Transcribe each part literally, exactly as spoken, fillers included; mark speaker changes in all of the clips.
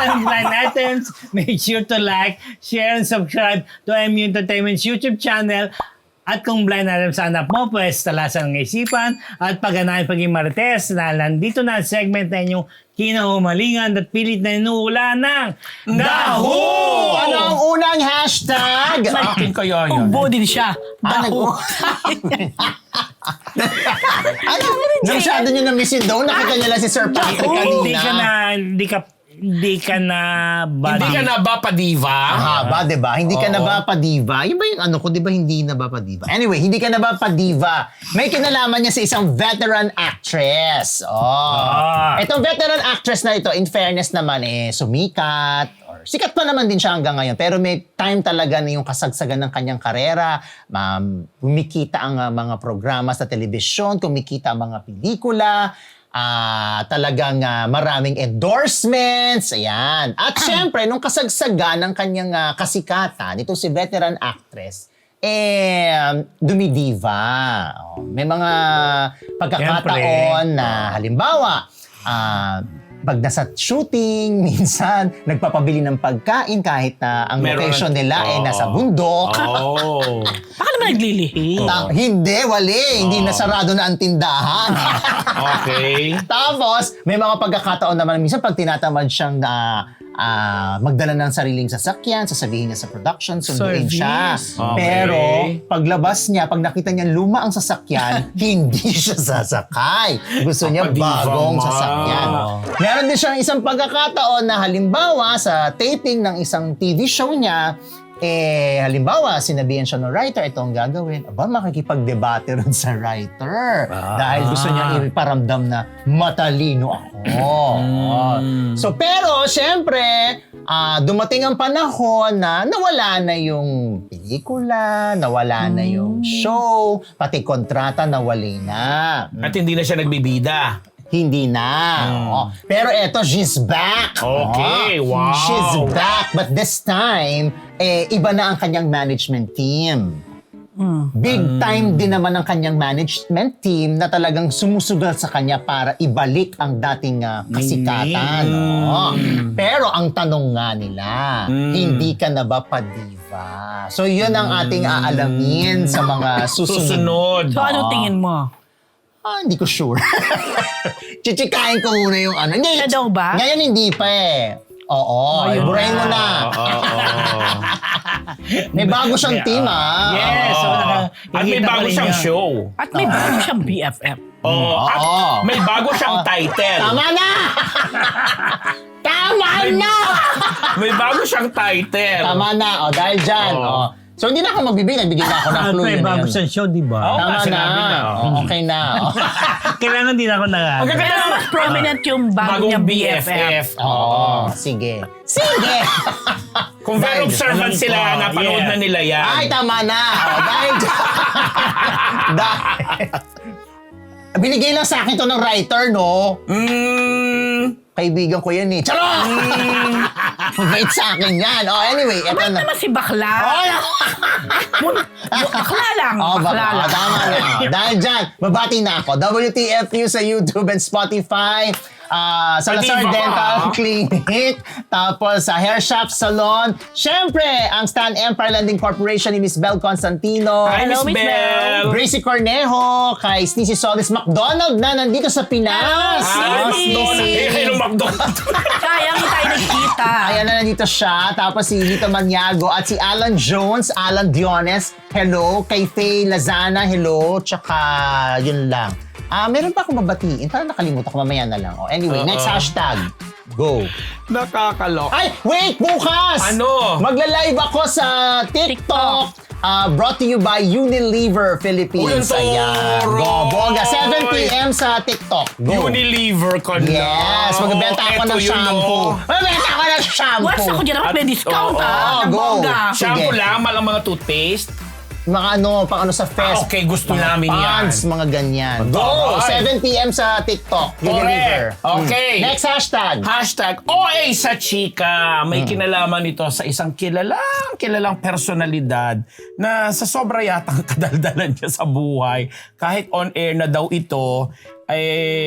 Speaker 1: and blind items, make sure to like, share, and subscribe to M U Entertainment's YouTube channel. At kung blind item sa anak mo, pues talasan ng isipan at pagganahin paging marites na nandito na ang segment na inyong kinahumalingan at pilit na inuula ng Daho!
Speaker 2: Ano ang unang hashtag?
Speaker 3: Akin kaya yun.
Speaker 4: Ubo din siya.
Speaker 2: Ah,
Speaker 4: Daho.
Speaker 2: ano? Nasyado nyo na miss yun daw. Nakita nyo lang si Sir Patrick kanina.
Speaker 1: Hindi ka na, hindi ka, hindi ka na body.
Speaker 3: Hindi ka na ba pa-diva?
Speaker 2: Haba, di ba? Hindi ka na ba pa-diva? Yun ba yung ano ko, di ba hindi na ba pa-diva? Anyway, hindi ka na ba pa-diva? May kinalaman niya sa isang veteran actress. Oh.
Speaker 1: Ah.
Speaker 2: Itong veteran actress na ito, in fairness naman, eh, sumikat. Or, sikat pa naman din siya hanggang ngayon. Pero may time talaga na yung kasagsagan ng kanyang karera. Um, kumikita ang uh, mga programa sa telebisyon, kumikita ang mga pelikula. Ah, uh, talagang uh, maraming endorsements, ayan. At syempre, nung kasagsagan ng kanyang uh, kasikatan, itong si veteran actress, eh, dumidiva. Oh, may mga pagkakataon na, halimbawa, ah, uh, pag nasa shooting, minsan, nagpapabili ng pagkain kahit na ang
Speaker 3: Meron
Speaker 2: location
Speaker 3: na-
Speaker 2: nila ay
Speaker 3: Oo.
Speaker 2: nasa bundok.
Speaker 3: Oh.
Speaker 4: Baka naman naglilihi.
Speaker 2: Ta- hindi, wali. Hindi nasarado na ang tindahan.
Speaker 3: Okay.
Speaker 2: Tapos, may mga pagkakataon naman, minsan pag tinatamad siyang na ah, magdala ng sariling sasakyan, sasabihin niya sa production, sunduin
Speaker 4: Service.
Speaker 2: siya.
Speaker 3: Okay.
Speaker 2: Pero, paglabas niya, pag nakita niya luma ang sasakyan, hindi siya sasakay. Gusto niya
Speaker 3: Kapadiva
Speaker 2: bagong
Speaker 3: ma.
Speaker 2: sasakyan. Meron din siyang isang pagkakataon na halimbawa sa taping ng isang T V show niya, eh, halimbawa, sinabihan siya ng writer, ito ang gagawin. Aba, makikipag-debate rin sa writer.
Speaker 3: Ah.
Speaker 2: Dahil gusto niya iparamdam na matalino ako.
Speaker 3: Mm.
Speaker 2: So, pero, syempre, ah, dumating ang panahon na nawala na yung pelikula, nawala na yung show, pati kontrata nawali na.
Speaker 3: At hindi na siya nagbibida.
Speaker 2: Hindi na. Oo. Pero eto, she's back.
Speaker 3: Okay,
Speaker 2: Oo.
Speaker 3: wow.
Speaker 2: She's back. But this time, eh, iba na ang kanyang management team. Big time din naman ang kanyang management team na talagang sumusugal sa kanya para ibalik ang dating ah, kasikatan. Oo. Pero ang tanong nga nila, hindi ka na ba pa-diva? So yun ang ating aalamin sa mga susunod.
Speaker 3: Susunod.
Speaker 4: So, ano tingin mo?
Speaker 2: Ah, hindi ko sure. Chichikain ko muna yung ano. Hindi,
Speaker 4: Siya daw ba?
Speaker 2: Ngayon hindi pa eh. Oo,
Speaker 4: Ayun
Speaker 2: iburahin mo
Speaker 4: na.
Speaker 2: na.
Speaker 3: Oo, oo.
Speaker 2: May bago siyang team ah.
Speaker 1: Yes. So, naka,
Speaker 3: At may
Speaker 1: kikita
Speaker 3: bago
Speaker 1: ko rin
Speaker 3: siyang
Speaker 1: yun.
Speaker 3: show.
Speaker 4: At may bago siyang B F F.
Speaker 3: Oo. At
Speaker 2: Oo.
Speaker 3: may bago siyang title.
Speaker 2: Tama na! Tama na!
Speaker 3: May bago siyang title.
Speaker 2: Tama na. O, dahil dyan.
Speaker 3: Oo.
Speaker 2: O. So, hindi na ako magbibigay. Nagbigay na ako ng
Speaker 1: At
Speaker 2: clue.
Speaker 1: may
Speaker 2: yun na
Speaker 1: bago
Speaker 2: yun.
Speaker 1: siyang show, di ba?
Speaker 3: Oo.
Speaker 2: Tama na.
Speaker 3: sinabi na,
Speaker 2: O,
Speaker 3: oo.
Speaker 2: okay na. O.
Speaker 1: Kailangan din ako na.
Speaker 3: Ang ganda
Speaker 4: Pero
Speaker 3: naman.
Speaker 4: mas prominent yung bago
Speaker 3: Bagong
Speaker 4: niyang
Speaker 3: B
Speaker 4: B
Speaker 3: F
Speaker 4: F
Speaker 3: F.
Speaker 4: F.
Speaker 2: Oo. Sige. Sige!
Speaker 3: Kung very
Speaker 2: Dahil-
Speaker 3: observant sila,
Speaker 1: Oh,
Speaker 3: napanood
Speaker 1: yeah.
Speaker 3: na nila yan.
Speaker 2: Ay, tama na. O, dahil dahil binigay lang sa akin to ng writer, no?
Speaker 3: Mm,
Speaker 2: Kaibigan ko yan eh. Charot! Mabait sa akin yan. Oh, anyway, eto
Speaker 4: Ba't
Speaker 2: na.
Speaker 4: naman si Bakla?
Speaker 2: Oh,
Speaker 4: Mun- Bakla lang.
Speaker 2: oh,
Speaker 4: bakla
Speaker 2: baka,
Speaker 4: lang.
Speaker 2: tama na. Dahil dyan, babati na ako. W T F U sa YouTube and Spotify. Uh, Salazar
Speaker 3: Pati ba
Speaker 2: Dental
Speaker 3: ka?
Speaker 2: Clinic. Tapos sa Hair Shop Salon. Siyempre, ang Stan Empire Landing Corporation ni Miss Bel Constantino.
Speaker 3: Hi, Miss
Speaker 4: Hello, Miss
Speaker 3: Bell.
Speaker 2: Gracie Cornejo, kay Sneezy Solis McDonald na nandito sa Pinas.
Speaker 3: Ah,
Speaker 2: Oh,
Speaker 3: McDonald's.
Speaker 2: Sneezy.
Speaker 3: Eh, hello, McDonald's.
Speaker 4: Sayang hindi tayo nagkita.
Speaker 2: Ayan na nandito siya. Tapos si Lito Maniago at si Alan Jones, Alan Diones, hello. Kay Faye Lazana, hello. Tsaka yun lang. Ah, meron pa akong babatiin. Parang nakalimutan ko, mamaya na lang. Oh, anyway,
Speaker 3: Oo.
Speaker 2: next hashtag. Go.
Speaker 3: Nakakalok.
Speaker 2: Ay, wait! Bukas!
Speaker 3: Ano?
Speaker 2: Magla-live ako sa TikTok. Ah, brought to you by Unilever Philippines.
Speaker 3: Uy, ang
Speaker 2: Ayan.
Speaker 3: toro!
Speaker 2: Go, boga. seven p.m. sa TikTok. Go.
Speaker 3: Unilever ka na.
Speaker 2: Yes, magbebenta ako
Speaker 3: Eto
Speaker 2: ng
Speaker 3: yun,
Speaker 2: shampoo.
Speaker 3: oh.
Speaker 2: Magbebenta ako ng shampoo.
Speaker 4: Once ako dyan, dapat may
Speaker 3: At-
Speaker 4: discount
Speaker 3: oo,
Speaker 4: ah.
Speaker 2: oo,
Speaker 4: Ng
Speaker 2: go.
Speaker 4: bongga.
Speaker 3: Shampoo
Speaker 2: Sige.
Speaker 3: lang, malang mga toothpaste.
Speaker 2: Mga ano, pang ano sa fest.
Speaker 3: Ah, okay, gusto
Speaker 2: mga
Speaker 3: namin yan.
Speaker 2: pants, mga ganyan. Go!
Speaker 3: Alright.
Speaker 2: seven p.m. sa TikTok. Unilever.
Speaker 3: Correct. Okay.
Speaker 2: Mm. Next hashtag.
Speaker 3: Hashtag O A sa chika. May kinalaman ito sa isang kilalang, kilalang personalidad na sa sobra yatang kadaldalan niya sa buhay. Kahit on air na daw ito, eh,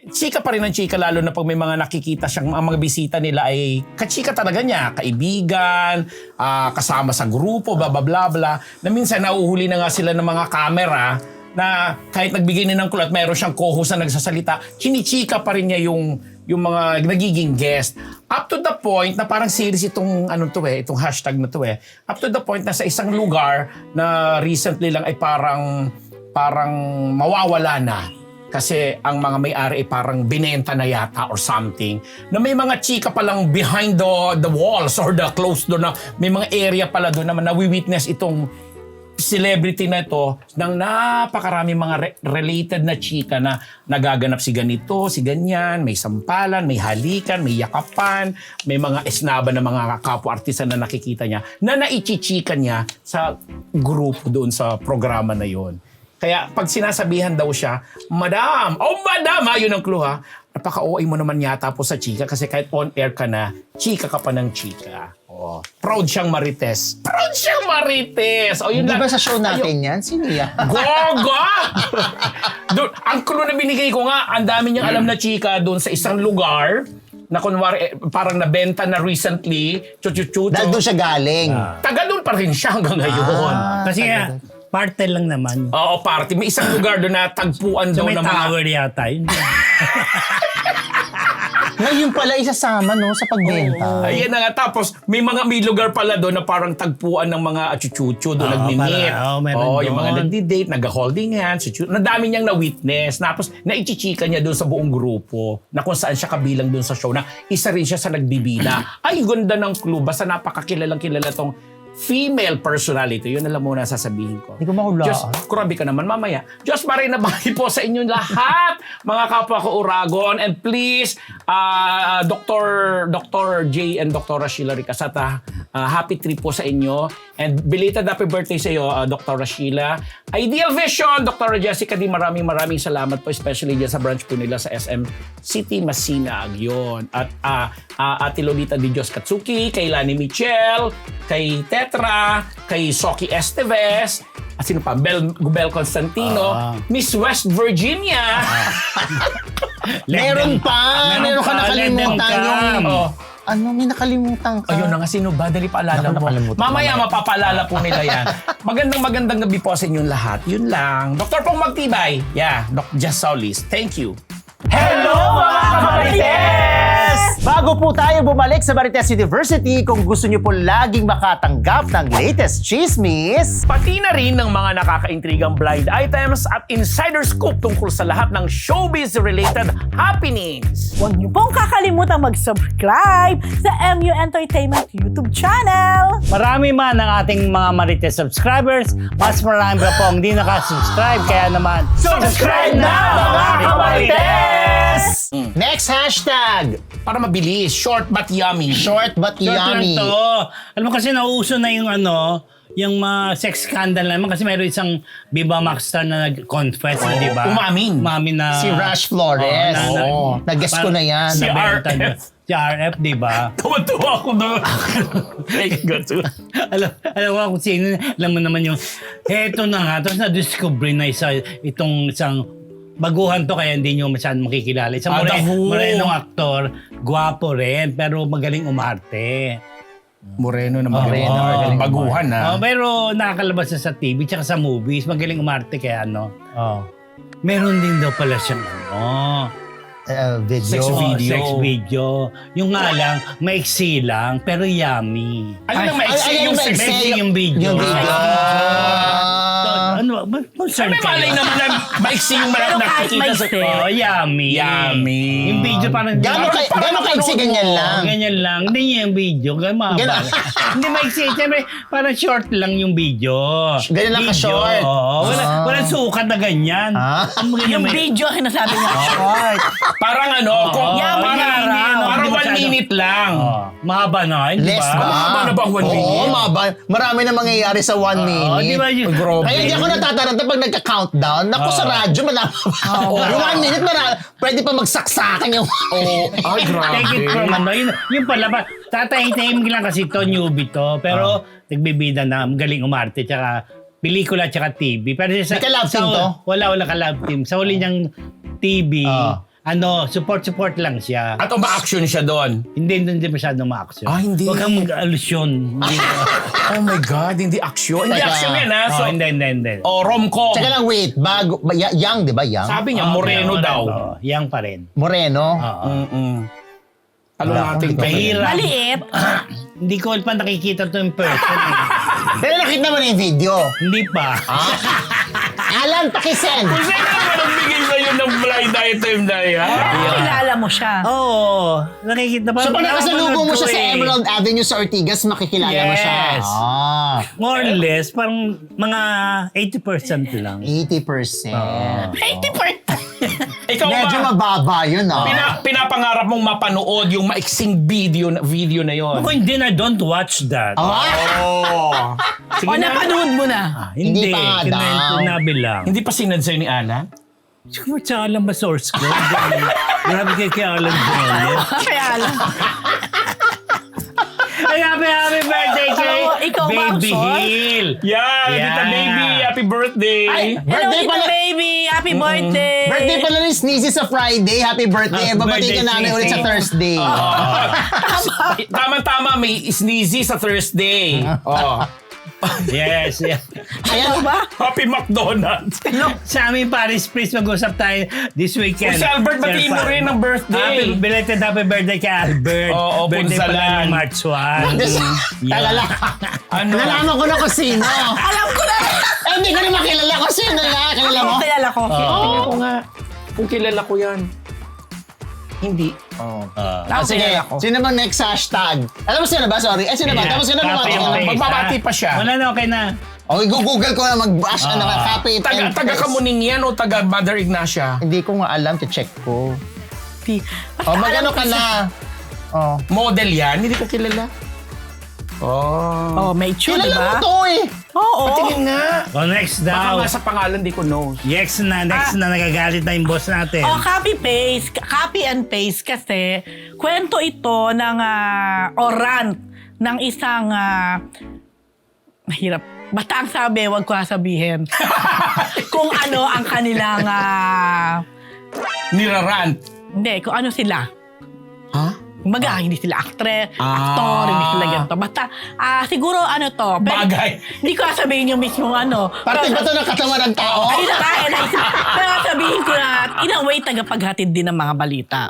Speaker 3: chika pa rin ang chika, lalo na pag may mga nakikita siyang, ang mga bisita nila ay kachika talaga niya, kaibigan, ah, kasama sa grupo, bla bla bla bla, na minsan nauhuli na nga sila ng mga camera na kahit nagbigay na ng kulat, mayroon siyang co-host na nagsasalita, chinichika pa rin niya yung yung mga nagiging guest. Up to the point na parang series itong ano to eh, itong hashtag na to eh. Up to the point na sa isang lugar na recently lang ay parang parang mawawala na. Kasi ang mga may-ari ay parang binenta na yata or something. Na may mga chika palang behind the, the walls or the closed door na may mga area pala doon naman na we-witness itong celebrity na ito ng napakarami mga re- related na chika na nagaganap si ganito, si ganyan, may sampalan, may halikan, may yakapan, may mga esnaba na mga kapwa-artista na nakikita niya na naichichika niya sa grupo doon sa programa na yon. Kaya pag sinasabihan daw siya, Madam, oh Madam, ha, yun ang clue ha, napaka-O A mo naman yata po sa chika kasi kahit on-air ka na, chika ka pa ng chika. Oh, proud siyang marites. Proud siyang marites! O, yun
Speaker 2: Hindi
Speaker 3: lang.
Speaker 2: ba sa show natin yan? Sino yan?
Speaker 3: Gogo! Doon, ang clue na binigay ko nga, ang dami niyang alam na chika doon sa isang lugar na kunwari eh, parang nabenta na recently, chuchuchucho.
Speaker 2: Dahil doon siya galing.
Speaker 3: Taga doon pa rin siya hanggang ngayon.
Speaker 2: Ah,
Speaker 1: Kasi nga, parte lang naman.
Speaker 3: Oo, party. May isang lugar doon na tagpuan
Speaker 1: So
Speaker 3: daw
Speaker 1: may
Speaker 3: ng mga...
Speaker 1: tower yata. Yun.
Speaker 2: Ngayon pala isasama no sa pagbenta.
Speaker 3: Ayan na nga. Tapos, may mga may lugar pala doon na parang tagpuan ng mga achuchucho doon
Speaker 1: Oo,
Speaker 3: nagmi-meet.
Speaker 1: para- oo, meron
Speaker 3: Oo, yung
Speaker 1: doon.
Speaker 3: mga nagdi-date, nag-holding hands, chuchu- na dami niyang na-witness. Tapos, naichichika niya doon sa buong grupo na kung saan siya kabilang doon sa show na isa rin siya sa nagbibida. Ay, ganda ng clue. Basta napakakilalang kilala tong female personality. Yun alam mo na sasabihin ko.
Speaker 2: Hindi ko mahulaan.
Speaker 3: Diyos, kurabi ka naman mamaya. Diyos maray na bahay po sa inyong lahat, mga kapwa ko Uragon. And please, uh, Doctor Doctor J and Doctor Sheila Ricasata, uh, happy trip po sa inyo. And belated happy birthday sa iyo, uh, Doctor Sheila. Ideal Vision, Doctor Jessica D, maraming maraming salamat po, especially dyan sa branch po nila sa S M City, Masinag. Yun. At uh, uh, Ate Lolita Di Diyos Katsuki, kay Lani Michel, kay Tetra, kay Soki Esteves, at sino pa? Bel, Bel Constantino,
Speaker 1: Ah.
Speaker 3: Miss West Virginia.
Speaker 2: Meron pa! Meron ka
Speaker 1: pa,
Speaker 2: nakalimutan
Speaker 1: let them
Speaker 2: yung...
Speaker 1: come.
Speaker 3: Oh.
Speaker 2: Ano, may nakalimutan ka.
Speaker 3: Ayun na nga, sino ba? Dali paalala
Speaker 2: Naku,
Speaker 3: mo.
Speaker 2: nakalimutan
Speaker 3: Mamaya
Speaker 2: ko.
Speaker 3: mapapaalala po nila yan. Magandang magandang gabi po sa inyong lahat. Yun lang. Doktor Pong Magtibay. Yeah, Doc Jess Solis. Thank you.
Speaker 2: Hello mga Marites! Bago po tayo bumalik sa Marites University, kung gusto niyo po laging makatanggap ng latest chismis,
Speaker 3: Pati na rin ng mga nakakaintrigang blind items at insider scoop tungkol sa lahat ng showbiz-related happenings.
Speaker 5: Huwag niyo pong kakalimutan mag-subscribe sa M U Entertainment YouTube channel.
Speaker 1: Marami man ang ating mga Marites subscribers, mas marami pa po ang di nakasubscribe. Kaya naman,
Speaker 2: subscribe na mga Kamarites!
Speaker 3: Mm.
Speaker 2: Next hashtag,
Speaker 3: Para mabilis, short but yummy.
Speaker 2: short but
Speaker 1: Short lang
Speaker 2: yummy.
Speaker 1: to. Alam mo kasi nauso na yung ano, yung mga sex scandal naman kasi mayroon isang Viva Max star na nag-confess,
Speaker 3: Oo,
Speaker 1: di ba?
Speaker 3: umamin.
Speaker 1: Umamin na.
Speaker 2: Si Rush Flores.
Speaker 1: Oo, na-
Speaker 2: Oo, nag-guess ko na yan.
Speaker 3: Si
Speaker 1: nabenta
Speaker 3: R F.
Speaker 1: niya. Si R F, di ba?
Speaker 3: Tuwa-tuwa ako doon.
Speaker 1: alam, alam ko kung sino, alam mo naman yung, eto na nga, tapos na-discover na isa, itong isang, baguhan to kaya hindi nyo masyadong makikilala. Isang
Speaker 3: Ah,
Speaker 1: more,
Speaker 3: the who?
Speaker 1: morenong aktor, gwapo rin, pero magaling umarte.
Speaker 3: Moreno na
Speaker 2: Moreno,
Speaker 3: magaling.
Speaker 2: magaling
Speaker 3: Baguhan na.
Speaker 1: Oh, pero nakakalabas na sa T V tsaka sa movies, magaling umarte kaya ano.
Speaker 2: Oh.
Speaker 1: Meron din daw pala siyang ano,
Speaker 2: Uh, video.
Speaker 3: Sex
Speaker 1: oh,
Speaker 3: video.
Speaker 1: sex video. Yung nga lang, maiksi lang, pero yummy.
Speaker 3: Ano nang maiksi
Speaker 2: Ay, ay,
Speaker 3: yung
Speaker 2: ay,
Speaker 3: sex?
Speaker 1: Maiksi yung video.
Speaker 2: Yung video.
Speaker 1: So,
Speaker 2: Ah.
Speaker 1: ano, ba- concern
Speaker 3: Ay, may
Speaker 1: kayo?
Speaker 3: malay naman na maiksi yung
Speaker 4: Pero
Speaker 3: marap
Speaker 4: kahit
Speaker 3: nakikita sa...
Speaker 4: maiksi.
Speaker 1: Oh, yummy.
Speaker 3: Yummy.
Speaker 1: Yung video parang...
Speaker 2: Gano'n kay, gano'n kaigsi ganyan lang.
Speaker 1: Ganyan lang. Hindi niya yung video. Ganyan mahaba.
Speaker 2: Ganun.
Speaker 1: Hindi maiksi. Siyempre, parang short lang yung video.
Speaker 2: Ganyan lang
Speaker 1: Video,
Speaker 2: ka-short.
Speaker 1: Oo. Wala,
Speaker 2: Ah.
Speaker 1: walang sukat na ganyan.
Speaker 2: Ah.
Speaker 1: Ang ganyan
Speaker 4: Yung
Speaker 1: may-
Speaker 4: video, sinasabi niya, short.
Speaker 3: Parang ano, kung,
Speaker 1: Oo,
Speaker 3: parang,
Speaker 1: parang-
Speaker 3: parang
Speaker 1: hindi
Speaker 3: one
Speaker 1: masyado.
Speaker 3: minute lang.
Speaker 1: Oh, mahaba na, hindi
Speaker 2: Less
Speaker 1: ba?
Speaker 2: ba?
Speaker 3: Mahaba na ba ang one
Speaker 2: Oo,
Speaker 3: minute?
Speaker 2: mahaba. Marami na mangyayari sa one minute.
Speaker 1: di ba yun?
Speaker 3: Grabe.
Speaker 2: Kaya hindi ako natataranta pag nagka-countdown. Naku, sa radyo, malama pa. Yung one minute, marami. Pwede pa magsaksakan yung...
Speaker 3: Oh, ay, grabe.
Speaker 1: Take it from ano, yun, yun pala ba, tatahitahim lang kasi to, newbie to, pero nagbibida na, galing umarte, tsaka pelikula, tsaka T V. Pero sa,
Speaker 2: May ka-love
Speaker 1: sa,
Speaker 2: team to?
Speaker 1: Wala, wala ka-love team. Sa huli niyang T V,
Speaker 2: Ah.
Speaker 1: ano, support-support lang siya.
Speaker 3: At uma-action siya doon.
Speaker 1: Hindi, hindi masyadong ma-action.
Speaker 3: Ah, hindi.
Speaker 1: Huwag kang mag-alusyon. Hindi.
Speaker 3: Oh my God, hindi action. Hindi
Speaker 2: Teka.
Speaker 3: action yan ha. So,
Speaker 1: oh, hindi, hindi, hindi.
Speaker 3: oh, rom-com.
Speaker 2: Tsaka lang, wait. Bago, ba- y- young, di ba? Young?
Speaker 3: Sabi niya,
Speaker 1: Oh,
Speaker 3: moreno
Speaker 1: okay,
Speaker 3: daw.
Speaker 1: oh, yang pa rin.
Speaker 2: Moreno.
Speaker 1: Oo.
Speaker 3: Mm-mm. Alam
Speaker 1: Wala.
Speaker 3: natin to.
Speaker 1: Mahirap.
Speaker 5: Maliit.
Speaker 1: Hindi ko pa nakikita to in person. eh.
Speaker 2: Pero nakita mo na yung video.
Speaker 1: Hindi pa.
Speaker 2: Alan, pakisend.
Speaker 3: Kung saan ka ba nagbigay sa'yo ng blind item na yan?
Speaker 5: Kilala mo siya.
Speaker 1: Oo. Nakikita pa.
Speaker 2: So pag nakasalubong mo siya sa
Speaker 1: eh.
Speaker 2: Emerald Avenue sa Ortigas, makikilala mo siya.
Speaker 1: Yes.
Speaker 2: Ah,
Speaker 1: More or less, parang mga eighty percent lang.
Speaker 2: eighty percent.
Speaker 5: eighty percent.
Speaker 3: Ikaw
Speaker 2: Medyo
Speaker 3: ba?
Speaker 2: mababa yun, ah.
Speaker 3: Pina, pinapangarap mong mapanood yung maiksing video na, video na yon.
Speaker 1: Ako hindi na, don't watch that.
Speaker 2: Ah,
Speaker 3: Oh. Sige
Speaker 5: O,
Speaker 3: na.
Speaker 5: napanood mo na.
Speaker 1: Ah, hindi,
Speaker 2: Hindi pa nga daw.
Speaker 1: Kinento lang.
Speaker 3: Hindi pa sinad sa'yo ni Alan?
Speaker 1: Siguro sa alam ba source ko? Grabe kay kay Alan Jones.
Speaker 5: Kaya alam.
Speaker 1: Ay, happy, happy birthday kay
Speaker 5: Alam mo, ikaw ba ang
Speaker 1: Baby
Speaker 5: source?
Speaker 1: Hill.
Speaker 3: Yeah,
Speaker 1: Yeah.
Speaker 3: Tita Baby, happy birthday.
Speaker 5: Ay, hello,
Speaker 2: Birthday
Speaker 5: Tita
Speaker 2: pala.
Speaker 5: Baby. Happy birthday.
Speaker 2: birthday pala ni Sneezy sa Friday. Happy birthday.
Speaker 1: Happy
Speaker 2: Babati ka
Speaker 1: birthday,
Speaker 2: namin
Speaker 1: Sneezy.
Speaker 2: ulit sa Thursday.
Speaker 3: Tama-tama, may sneezy sa Thursday. Oh.
Speaker 1: Yes, yes.
Speaker 2: Ayan,
Speaker 5: Ano ba?
Speaker 3: Happy McDonald's.
Speaker 1: Sa amin, Paris, please, mag-usap tayo this weekend.
Speaker 3: Oh, si Albert, batiin mo
Speaker 1: Sir Fab.
Speaker 3: rin ng birthday.
Speaker 1: Happy, belated happy birthday kay Albert.
Speaker 3: Oo,
Speaker 1: birthday
Speaker 3: punsalan.
Speaker 1: pala ng March first.
Speaker 2: talala.
Speaker 3: Ano?
Speaker 2: Nalaman ko na kung sino.
Speaker 5: Alam ko na.
Speaker 2: Eh, hindi ko na makilala kung sino na. Kilala mo?
Speaker 5: Ako, kilala ko.
Speaker 3: Tingnan ko nga. Kung kilala ko yan. Hindi.
Speaker 2: Oh.
Speaker 1: Ah.
Speaker 2: Ah,
Speaker 5: Ako,
Speaker 2: sige,
Speaker 5: kilala ko.
Speaker 2: sino bang next hashtag? Alam mo sino ba? Sorry. Eh, sino ba? Tapos ko na
Speaker 1: Copy
Speaker 2: bumati
Speaker 1: and
Speaker 2: ka na.
Speaker 1: paste,
Speaker 3: Magbabati
Speaker 1: ha?
Speaker 3: pa siya.
Speaker 1: Wala na, okay na.
Speaker 2: Okay, google ko na mag-bash ano ka, copy it
Speaker 3: Taga,
Speaker 2: and
Speaker 3: taga
Speaker 2: paste.
Speaker 3: Kamuning yan o taga Mother Ignacia?
Speaker 2: Hindi ko nga alam, to-check ko.
Speaker 5: Basta
Speaker 2: Oh, magano
Speaker 5: alam
Speaker 2: ka
Speaker 5: ko
Speaker 2: na? Oh.
Speaker 3: Model yan? Hindi ko kilala. Oh.
Speaker 5: Oh, may tune,
Speaker 2: Kilala
Speaker 5: di
Speaker 2: mo
Speaker 5: ba?
Speaker 2: to eh.
Speaker 5: Oo.
Speaker 3: Patingin nga.
Speaker 1: Oh, next
Speaker 3: Baka
Speaker 1: daw.
Speaker 3: nga sa pangalan di ko know.
Speaker 1: Next na, next na, nagagalit na yung boss natin.
Speaker 5: Oh, copy paste, copy and paste kasi kwento ito ng ah, o rant ng isang ah, mahirap. Basta ang sabi, wag ko sabihin. Kung ano ang kanilang ah,
Speaker 3: Nirarant.
Speaker 5: hindi, kung ano sila.
Speaker 3: Ha?
Speaker 5: Kumbaga, hindi sila actress,
Speaker 3: Ah.
Speaker 5: actor, hindi sila ganito. Basta, ah, siguro ano to. pero-
Speaker 3: Bagay.
Speaker 5: Hindi ko sabihin yung mismong ano.
Speaker 2: Parte
Speaker 5: Pero-
Speaker 2: ba to ng katawan ng tao?
Speaker 5: Ayun na kaya na isa. Pero sabihin ko na, in a way, tagapaghatid din ng mga balita.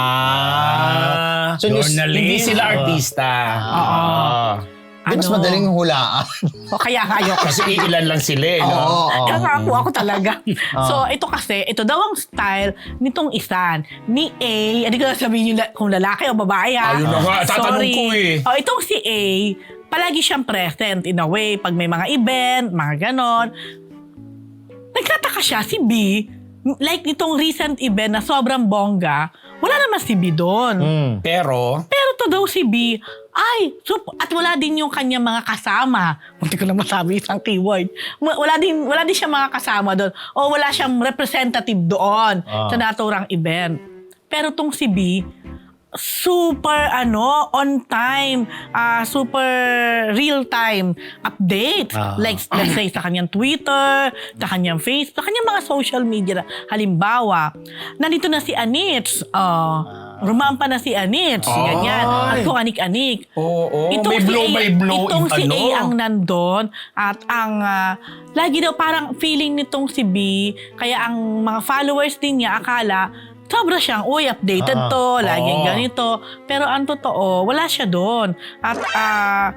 Speaker 3: Ah.
Speaker 2: So, news-
Speaker 1: Journalist.
Speaker 3: Hindi sila artista. Oo.
Speaker 2: Di mas madaling hulaan.
Speaker 5: O kaya kayo.
Speaker 3: Kasi ilan lang sila eh.
Speaker 2: Oo,
Speaker 3: No?
Speaker 2: oo.
Speaker 5: Kaya nga po ako talaga. So, ito kasi, ito daw ang style nitong isan. Ni A, hindi ko na sabihin yung la- kung lalaki o babae ha.
Speaker 3: Ayun na nga, tatanong
Speaker 5: Sorry.
Speaker 3: ko eh.
Speaker 5: O, itong si A, palagi siyang present in a way. Pag may mga event, mga ganon. Nagkataka siya, si B, like nitong recent event na sobrang bongga, wala naman si B doon.
Speaker 2: Hmm.
Speaker 3: Pero,
Speaker 5: Pero to daw si B, ay, sup- at wala din yung kanyang mga kasama. Hindi ko na masabi isang keyword. Wa- Wala din, wala din siya mga kasama doon. O wala siyang representative doon sa naturang event. Pero tong si B, super ano, on time, ah, super real time update.
Speaker 1: Ah.
Speaker 5: Like, let's say, sa kanyang Twitter, sa kanyang Facebook, sa kanyang mga social media. Halimbawa, nandito na si Anits. Uh, rumampa na si Anits.
Speaker 3: Ay.
Speaker 5: Ganyan. At kung anik-anik.
Speaker 3: oo,
Speaker 5: Itong
Speaker 3: may
Speaker 5: si
Speaker 3: blow
Speaker 5: A-
Speaker 3: by blow.
Speaker 5: Itong si
Speaker 3: ano?
Speaker 5: A ang nandun at ang ah, lagi daw parang feeling nitong si B, kaya ang mga followers din niya akala sobra siyang, uy, updated
Speaker 2: Ah,
Speaker 5: to, laging
Speaker 3: oo.
Speaker 5: ganito. Pero ang totoo, wala siya doon. At ah,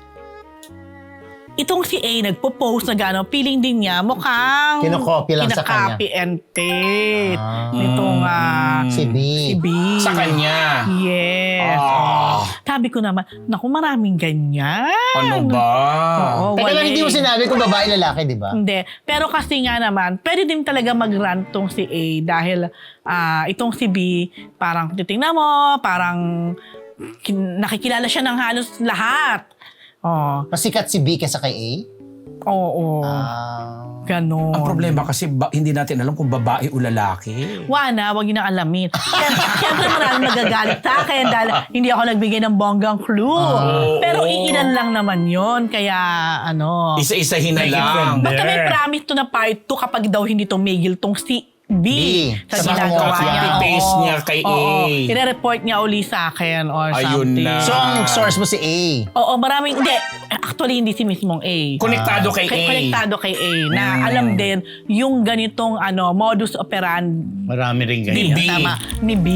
Speaker 5: itong si A nagpo-post na gano'n, feeling din niya mukhang
Speaker 2: Kinokopy lang sa kanya.
Speaker 5: kinakopy and paste.
Speaker 2: Ah.
Speaker 5: Nitong ah,
Speaker 2: Si B.
Speaker 5: si B.
Speaker 3: Sa kanya.
Speaker 5: Yes.
Speaker 3: Ah.
Speaker 5: Sabi ko naman, naku, maraming ganyan.
Speaker 3: Ano ba?
Speaker 5: Oo,
Speaker 2: Teka
Speaker 5: wala
Speaker 2: lang, hindi mo
Speaker 5: eh.
Speaker 2: sinabi kung babae lalaki, di ba?
Speaker 5: Hindi. Pero kasi nga naman, pwede din talaga mag-rant tong si A dahil ah, itong si B, parang titingnan mo, parang kin- nakikilala siya ng halos lahat. Oh,
Speaker 2: Mas sikat si B kesa kay A?
Speaker 5: oo,
Speaker 2: Ah.
Speaker 5: ganon.
Speaker 3: Ang problema kasi ba, hindi natin alam kung babae o lalaki.
Speaker 5: Wana, wag niyo na alamin. Siyempre, siyempre maraming magagalit sa akin dahil hindi ako nagbigay ng bonggang clue. Pero iilan lang naman yon kaya ano.
Speaker 3: Isa-isahin na
Speaker 1: Make it
Speaker 3: lang.
Speaker 1: from
Speaker 5: Basta may
Speaker 1: there.
Speaker 5: promise to na part two kapag daw hindi tumigil tong si B,
Speaker 2: B.
Speaker 5: sa
Speaker 2: Sa
Speaker 5: ginagawa
Speaker 2: copy
Speaker 5: niya.
Speaker 3: and paste
Speaker 5: Oo.
Speaker 3: niya kay A.
Speaker 5: Oo. Ire-report niya uli sa akin or
Speaker 3: Ayun
Speaker 5: something.
Speaker 3: na.
Speaker 2: So, ang source mo si A.
Speaker 5: Oo, maraming, hindi. Actually, hindi si mismong A.
Speaker 3: Konektado kay A.
Speaker 5: Kay konektado kay A na alam din yung ganitong ano modus operandi
Speaker 1: Marami rin
Speaker 3: Ni
Speaker 1: ganyan.
Speaker 3: B.
Speaker 5: tama ni B.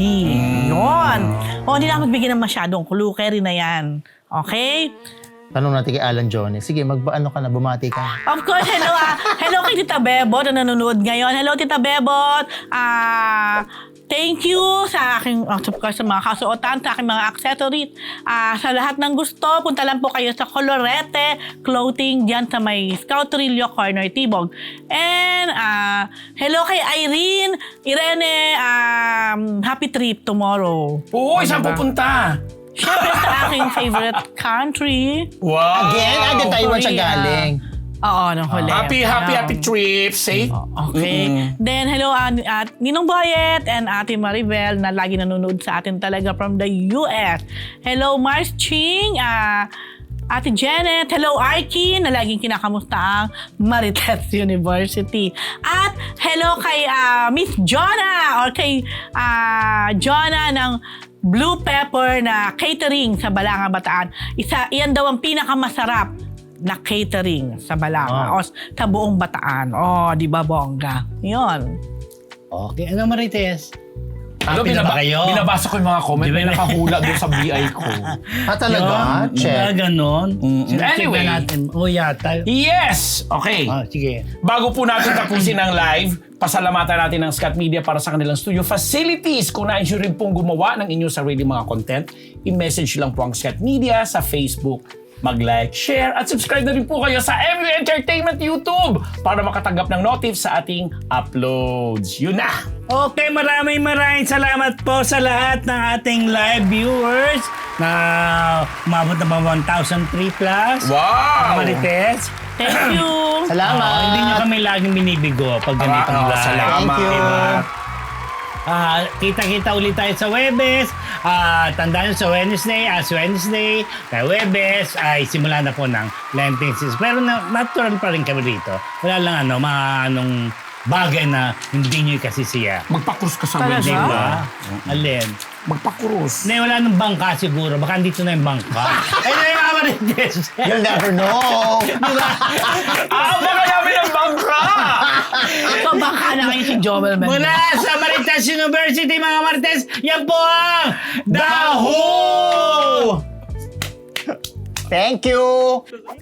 Speaker 5: Yun. O, hindi na ako magbigay ng masyadong clue. Carry na yan. Okay?
Speaker 2: Tanong natin kay Alan Jones. Sige, mag-ano ka na, bumati ka.
Speaker 5: Of course, hello ah. Hello kay Tita Bebot na nanonood ngayon. Hello Tita Bebot. Ah, thank you sa aking, of course, sa mga kasuotan, sa aking mga accessories. Ah, sa lahat ng gusto, punta lang po kayo sa Colorete Clothing diyan sa may Scoutrillo Corner, Tibog. And ah, hello kay Irene. Irene, um, happy trip tomorrow.
Speaker 3: Oo, saan
Speaker 5: Diba?
Speaker 3: pupunta?
Speaker 5: Siyempre sa aking favorite country.
Speaker 3: Wow!
Speaker 2: Again, ah, di Taiwan siya
Speaker 5: Korea.
Speaker 2: galing.
Speaker 5: Oo, nung huli.
Speaker 3: Happy, happy,
Speaker 5: Ano.
Speaker 3: happy trip. Safe.
Speaker 5: Okay.
Speaker 3: Mm-mm.
Speaker 5: Then, hello at, at Ninong Boyet and Ate Maribel na lagi nanonood sa atin talaga from the U S. Hello, Mars Ching. ah, Ate Janet. Hello, Arkin na laging kinakamusta ang Marites University. At hello kay ah, Miss Jonah or kay ah, Jonah ng Blue Pepper na catering sa Balanga, Bataan. Isa, iyan daw ang pinakamasarap na catering sa Balanga o sa buong Bataan. Oh, di ba bongga? Yun.
Speaker 1: Okay, ano Marites?
Speaker 3: Ano,
Speaker 1: Happy na
Speaker 3: binaba-
Speaker 1: ba kayo?
Speaker 3: binabasa ko yung mga comment.
Speaker 1: Di ba
Speaker 3: May
Speaker 1: na-
Speaker 3: nakahula doon sa B I ko.
Speaker 2: Ah, talaga?
Speaker 1: Yun,
Speaker 2: Check.
Speaker 1: mga ganon.
Speaker 3: Mm.
Speaker 1: Sinacheck
Speaker 3: Anyway.
Speaker 1: na natin. O yata.
Speaker 3: Yes! Okay.
Speaker 1: Oh, sige.
Speaker 3: Bago po natin tapusin ang live, pasalamatan natin ang Scat Media para sa kanilang studio facilities. Kung nais nyo rin pong gumawa ng inyong sarili mga content, i-message lang po ang Scat Media sa Facebook. Mag-like, share, at subscribe na rin po kayo sa M U Entertainment YouTube para makatanggap ng notif sa ating uploads. Yun na!
Speaker 1: Okay, maraming maraming salamat po sa lahat ng ating live viewers na umabot na ba one thousand three plus.
Speaker 3: Wow!
Speaker 1: Marites.
Speaker 5: Thank you.
Speaker 2: Salamat.
Speaker 1: Ah, hindi nyo kami laging binibigo pag ganitong
Speaker 3: Ah,
Speaker 1: live.
Speaker 3: salamat.
Speaker 2: Thank you.
Speaker 1: Diba? Ah, kita-kita ulit tayo sa Webes. Ah, tandaan nyo sa Wednesday, as Wednesday, kay Webes ay simula na po ng Lenten season. Pero na, natural pa rin kami rito. Wala lang ano, mga anong bagay na hindi nyo kasisiya.
Speaker 3: Magpakrus ka sa
Speaker 5: Talaga?
Speaker 3: wedding.
Speaker 1: Diba? Alin?
Speaker 3: Magpakrus.
Speaker 1: Hindi, wala nang bangka siguro. Baka dito na yung bangka. Ay, na yung mga Marites.
Speaker 2: You'll never know.
Speaker 3: Ah, baka namin ang bangka!
Speaker 5: So, baka na kayo si Joel Mendez.
Speaker 1: Mula sa Marites University, mga Marites, yan po ang The Who!
Speaker 2: Thank you.